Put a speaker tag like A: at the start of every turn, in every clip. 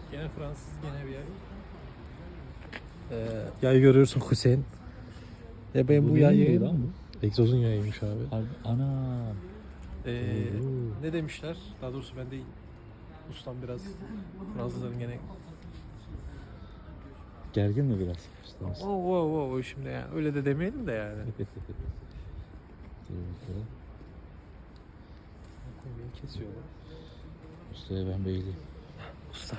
A: Gene Fransız, gene bir yer. Yayı görüyorsun Hüseyin. Ya ben bu yayı...
B: lan bu?
A: Egzozun yayıymış abi.
B: Ana.
A: Ne demişler? Daha doğrusu ben değil. Ustam biraz Fransızların gene...
B: Gergin mi biraz?
A: Wow, şimdi yani öyle de demeyelim de yani. Beni kesiyorlar.
B: Ustaya ben beyliyim.
A: Usta.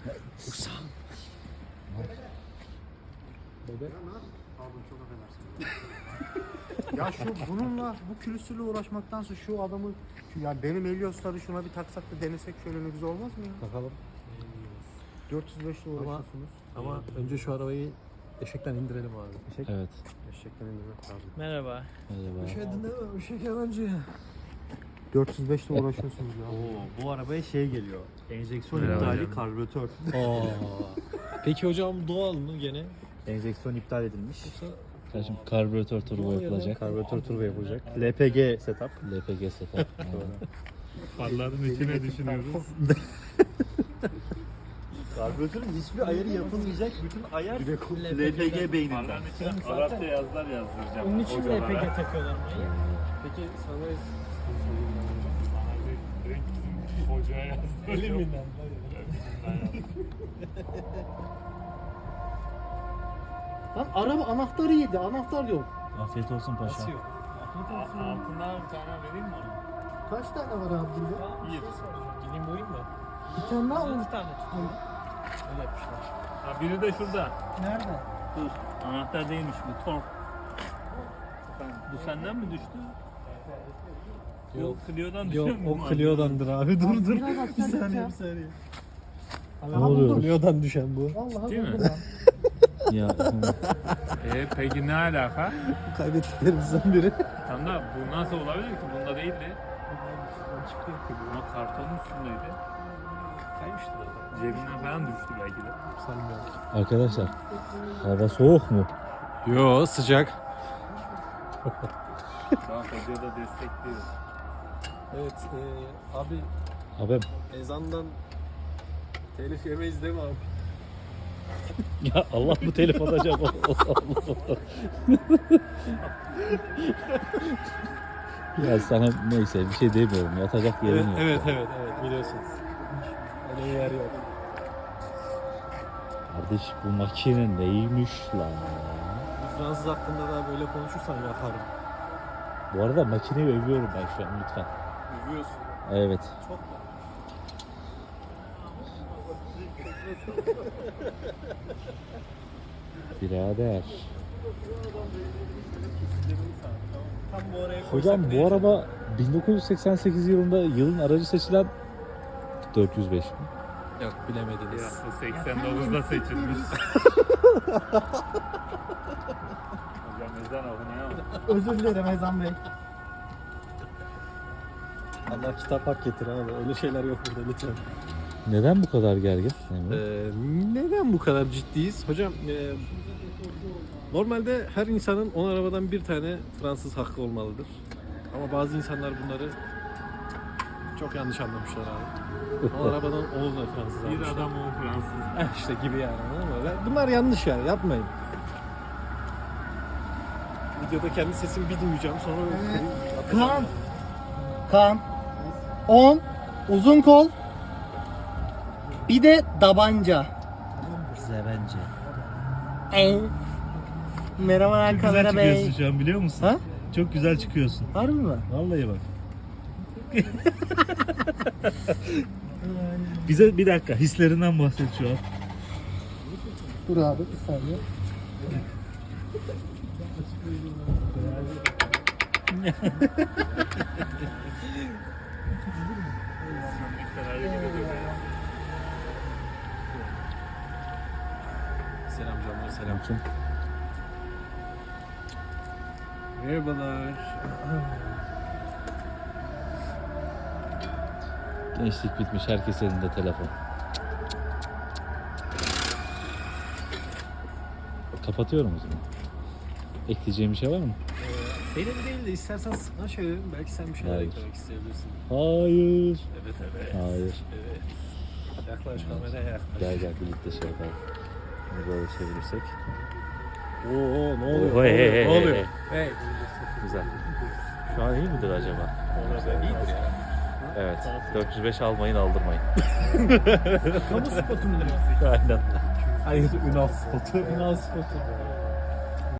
C: Ya bununla bu külüstürle uğraşmaktansa şu adamı ya benim Elios'ları şuna bir taksak da denesek şöyle ne güzel olmaz mı ya?
A: Bakalım.
C: 405 ile uğraşıyorsunuz.
A: Ama önce şu arabayı eşekten indirelim abi.
B: Evet.
C: Eşekten indirmek lazım.
D: Merhaba.
B: Merhaba.
A: Dinleme, eşek yabancı.
C: 405 ile uğraşıyorsunuz ya.
E: Bu arabaya şey geliyor. Enjeksiyon
D: Merhaba
E: iptali
D: hocam.
E: karbüratör.
A: Peki hocam doğal mı gene?
E: Enjeksiyon iptal edilmiş.
B: Kardeşim karbüratör turbo yapılacak.
E: Karbüratör turbo yapılacak. LPG setup.
B: LPG setup.
D: Farların içine düşünüyoruz.
E: Karbüratörün hiçbir ayarı yapılmayacak. Bütün ayar LPG beyninden.
D: Arapça yazılar yazdıracağım.
F: Onun için LPG takıyorlar mı?
A: Peki sana
D: Direkt bizim hocaya yazdıracağım.
F: Elinden. Lan araba anahtarı yedi. Anahtar yok.
B: Afiyet olsun paşa.
A: nasıl yok?
D: Altından bir tane vereyim mi ona?
F: Kaç tane var abi burada?
D: Bir.
A: Gideyim boyayım mı?
F: Bir tane daha
D: 6 tane tutuyor.
A: Öyle yapmışlar.
D: Ha, biri de şurada.
F: Nerede?
D: Dur. Anahtar değilmiş bu. Tork. Bu senden mi düştü?
A: Yok.
D: O Clio'dan
A: Yok
D: düşüyor mu?
A: o Clio'dandır abi. Dur.
F: Bir saniye.
B: Ne oluyor?
A: Clio'dan düşen bu.
F: Vallahi
D: Değil mi?
F: buldum lan.
B: Ya
D: Peki ne alaka?
A: Kaybettiklerimizden biri.
D: Tam da bu nasıl olabilir ki? Bunda değildi. Ama kartonun üstündeydi.
A: Kaymıştır o.
D: Cebinden falan düştü belki de.
A: Sanmıyorum.
B: arkadaşlar hava soğuk mu?
A: Yo sıcak.
D: Şu an hocada destekliyor.
A: Evet abi
B: Abi
A: ezandan telif yemeyiz değil mi abi?
B: ya Allah bu telif alacak. Ya sana neyse bir şey demiyorum. Yatacak yerin yok.
A: Evet biliyorsunuz. Öyle yer yok.
B: Kardeş bu makine neymiş lan?
A: Bir Fransız hakkında daha böyle konuşursan yakarım.
B: Bu arada makineyi övüyorum ben şu an lütfen.
A: Övüyorsun.
B: Evet.
A: Çok da.
B: Birader.
A: Tam bu araya
B: Hocam bu araba 1988 yılında yılın aracı seçilen 405 mi?
A: Yok bilemediniz.
D: Ya 89'da seçilmiş. Hocam ezan okunuyor ama.
F: Özür dilerim Ezan Bey.
A: Allah kitap hak getir abi. Öyle şeyler yok burada lütfen.
B: Neden bu kadar gergin? Emre?
A: Neden bu kadar ciddiyiz? Hocam normalde her insanın 10 arabadan bir tane Fransız hakkı olmalıdır. Ama bazı insanlar bunları çok yanlış anlamışlar abi. 10 arabadan 10 da Fransız
D: Bir
A: almışlar.
D: adam o Fransız.
A: İşte gibi yani anladın mı? Bunlar yanlış yani yapmayın. Videoda kendi sesimi bir duyacağım sonra
F: Kaan. Kaan. 10. Uzun kol. Bir de tabanca.
E: Zevence.
F: Merhaba kamera bey.
E: şu an biliyor musun?
F: Ha?
E: Çok güzel çıkıyorsun.
F: Harbi mi?
E: Vallahi bak. Bize bir dakika hislerinden bahset şu an.
F: Dur abi bir saniye.
A: Selam canlar selam.
B: Kim?
A: Merhabalar.
B: Gençlik bitmiş, herkes elinde telefon. Kapatıyorum o zaman. Ekleyeceğim bir şey var mı?
A: Benim değil de istersen sana söylerim belki sen bir şeyler
B: Hayır.
A: eklemek isteyebilirsin.
B: Hayır.
A: Evet.
B: Hayır.
A: Evet. Yaklaş kameraya yaklaş.
B: Gel gel birlikte şey yapalım. Bunu böyle çevirirsek.
A: Oo ne oluyor?
B: Oo, hey, hey, hey,
A: Ne oluyor?
B: hey.
A: Hey.
B: Güzel. Şu an iyi midir acaba?
A: İyidir ya.
B: Evet. 405 almayın aldırmayın.
F: Kamu spotu mu?
B: Aynen. Hayır Ünal spotu.
F: Ünal spotu.